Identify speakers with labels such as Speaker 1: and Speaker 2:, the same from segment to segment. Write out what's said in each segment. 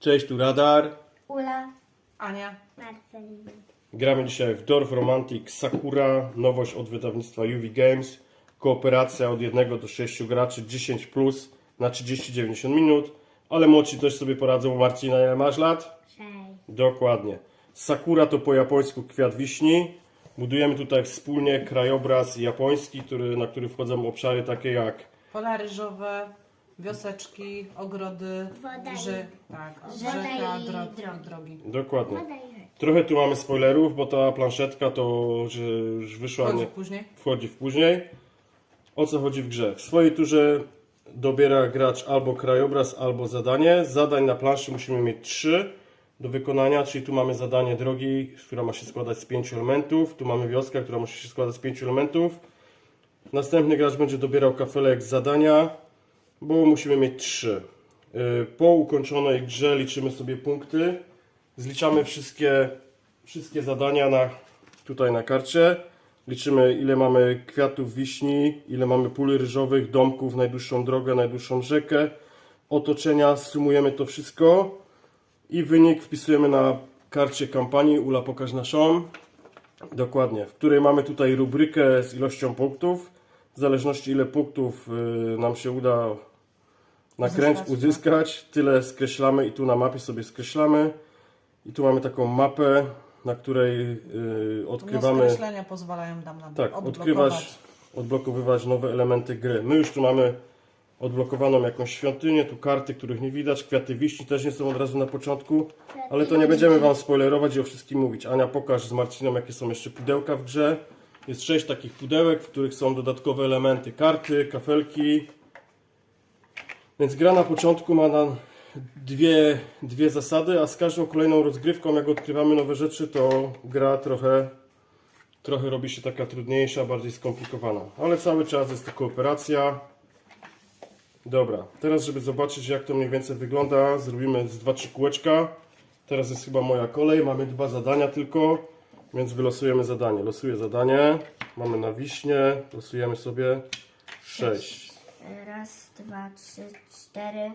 Speaker 1: Cześć, tu Radar.
Speaker 2: Ula,
Speaker 3: Ania.
Speaker 2: Marcelina.
Speaker 1: Gramy dzisiaj w Dwarf Romantic Sakura, nowość od wydawnictwa UV Games. Kooperacja od 1 do 6 graczy, 10 plus na 30-90 minut. Ale młodsi też sobie poradzą. Marcina, ile masz lat?
Speaker 2: 6.
Speaker 1: Dokładnie. Sakura to po japońsku kwiat wiśni. Budujemy tutaj wspólnie krajobraz japoński, na który wchodzą obszary takie jak
Speaker 3: Pola ryżowe, wioseczki, ogrody,
Speaker 2: Woda i-
Speaker 3: rzeka,
Speaker 2: drogi.
Speaker 3: drogi.
Speaker 1: dokładnie. Trochę tu mamy spoilerów, bo ta planszetka to że już wyszła
Speaker 3: Wchodzi później.
Speaker 1: wchodzi w później. O co chodzi w grze? W swojej turze dobiera gracz albo krajobraz, albo zadanie. Zadań na planszy musimy mieć 3 do wykonania, czyli tu mamy zadanie drogi, która ma się składać z 5 elementów. Tu mamy wioskę, która musi się składać z 5 elementów. Następny gracz będzie dobierał kafelek z zadania, bo musimy mieć 3. Po ukończonej grze liczymy sobie punkty. Zliczamy wszystkie zadania tutaj na karcie. Liczymy, ile mamy kwiatów wiśni, ile mamy pól ryżowych, domków, najdłuższą drogę, najdłuższą rzekę, otoczenia. Sumujemy to wszystko i wynik wpisujemy na karcie kampanii. Ula, pokaż naszą. Dokładnie, w której mamy tutaj rubrykę z ilością punktów. W zależności ile punktów nam się uda uzyskać, tyle skreślamy i tu na mapie sobie skreślamy. I tu mamy taką mapę, na której odkrywamy...
Speaker 3: Skreślenia pozwalają nam
Speaker 1: Tak,
Speaker 3: odblokować.
Speaker 1: odblokowywać nowe elementy gry. My już tu mamy odblokowaną jakąś świątynię, tu karty, których nie widać, kwiaty wiśni też nie są od razu na początku, ale to nie będziemy Wam spoilerować i o wszystkim mówić. Ania, pokaż z Marciną, jakie są jeszcze pudełka w grze. Jest 6 takich pudełek, w których są dodatkowe elementy, karty, kafelki. Więc gra na początku ma nam dwie zasady, a z każdą kolejną rozgrywką, jak odkrywamy nowe rzeczy, to gra trochę robi się taka trudniejsza, bardziej skomplikowana. Ale cały czas jest to kooperacja. Dobra, teraz żeby zobaczyć, jak to mniej więcej wygląda, zrobimy z 2-3 kółeczka. Teraz jest chyba moja kolej, mamy 2 zadania tylko, więc wylosujemy zadanie. Losuję zadanie, mamy na wiśnie, losujemy sobie 6.
Speaker 2: Raz, 2, 3, 4.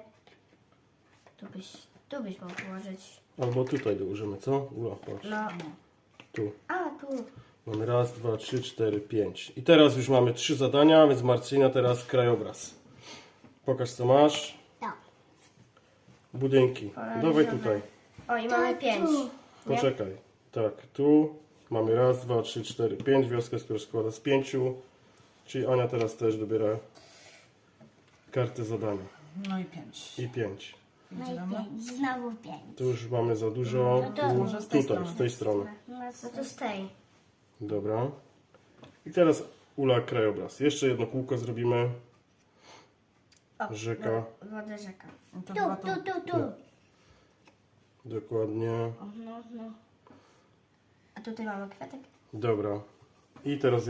Speaker 2: Tu byś mógł położyć.
Speaker 1: Albo tutaj dołożymy, co? Ula, patrz.
Speaker 2: No.
Speaker 1: Tu.
Speaker 2: A, tu.
Speaker 1: Mamy raz, 2, 3, 4, 5. I teraz już mamy 3 zadania, więc Marcina teraz krajobraz. Pokaż co masz.
Speaker 2: Tak.
Speaker 1: Budynki. Dawaj tutaj.
Speaker 2: O, i mamy 5.
Speaker 1: Poczekaj. Tak, tu mamy raz, 2, 3, 4, 5. Wioskę, która składa z 5. Czyli Ania teraz też dobiera kartę zadania.
Speaker 3: No i 5.
Speaker 1: I 5.
Speaker 2: No i 5. Znowu 5.
Speaker 1: Tu już mamy za dużo.
Speaker 2: No to
Speaker 3: może z tej
Speaker 1: Tutaj,
Speaker 3: strony.
Speaker 1: z tej strony.
Speaker 2: No to z tej.
Speaker 1: Dobra. I teraz Ula krajobraz. Jeszcze jedno kółko zrobimy.
Speaker 2: O,
Speaker 1: Rzeka.
Speaker 2: Woda rzeka.
Speaker 3: No to
Speaker 2: Tu,
Speaker 3: chyba to.
Speaker 2: tu.
Speaker 1: Dokładnie.
Speaker 2: O, no. A tutaj mamy kwiatek.
Speaker 1: Dobra. I teraz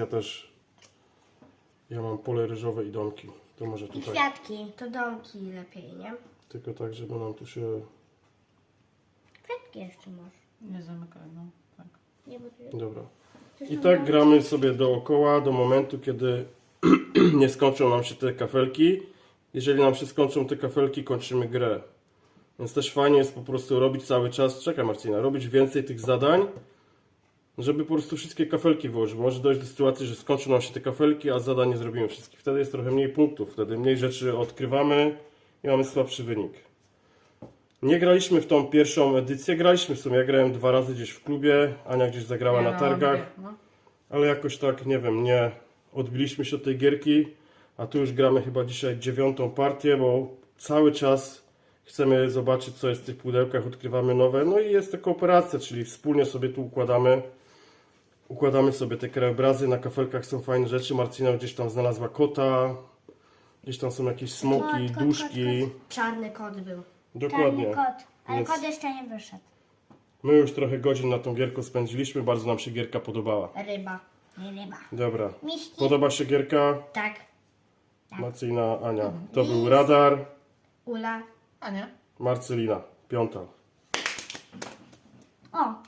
Speaker 1: ja mam pole ryżowe i domki. To może
Speaker 2: I
Speaker 1: tutaj.
Speaker 2: kwiatki. To domki lepiej, nie?
Speaker 1: Tylko tak, żeby nam tu się...
Speaker 2: Kwiatki jeszcze masz.
Speaker 3: Nie zamykaj, no. Tak.
Speaker 2: Nie, bo tu
Speaker 1: Dobra. I tak gramy sobie dookoła do momentu, kiedy nie skończą nam się te kafelki. Jeżeli nam się skończą te kafelki, kończymy grę. Więc też fajnie jest po prostu robić cały czas, czekaj Marcina, robić więcej tych zadań, żeby po prostu wszystkie kafelki wyłożyć. Może dojść do sytuacji, że skończą nam się te kafelki, a zadań nie zrobimy wszystkich. Wtedy jest trochę mniej punktów, wtedy mniej rzeczy odkrywamy i mamy słabszy wynik. Nie graliśmy w tą pierwszą edycję, graliśmy w sumie, ja grałem 2 razy gdzieś w klubie, Ania gdzieś zagrała na targach,
Speaker 3: No.
Speaker 1: ale jakoś tak, nie wiem, nie odbiliśmy się od tej gierki, a tu już gramy chyba dzisiaj 9. partię, bo cały czas chcemy zobaczyć, co jest w tych pudełkach, odkrywamy nowe, no i jest to kooperacja, czyli wspólnie sobie tu układamy sobie te krajobrazy, na kafelkach są fajne rzeczy, Marcina gdzieś tam znalazła kota, gdzieś tam są jakieś smoki, duszki,
Speaker 2: Kot. Czarny kot był.
Speaker 1: dokładnie.
Speaker 2: Czarny kot. Ale
Speaker 1: Więc-
Speaker 2: kot jeszcze nie wyszedł.
Speaker 1: My już trochę godzin na tą gierkę spędziliśmy, bardzo nam się gierka podobała.
Speaker 2: Ryba. Nie ryba.
Speaker 1: Dobra,
Speaker 2: Miśki.
Speaker 1: podoba się gierka?
Speaker 2: Tak.
Speaker 1: Marcina, Ania. To był Radar,
Speaker 2: Ula.
Speaker 3: Ania?
Speaker 1: Marcelina, 5.
Speaker 2: O,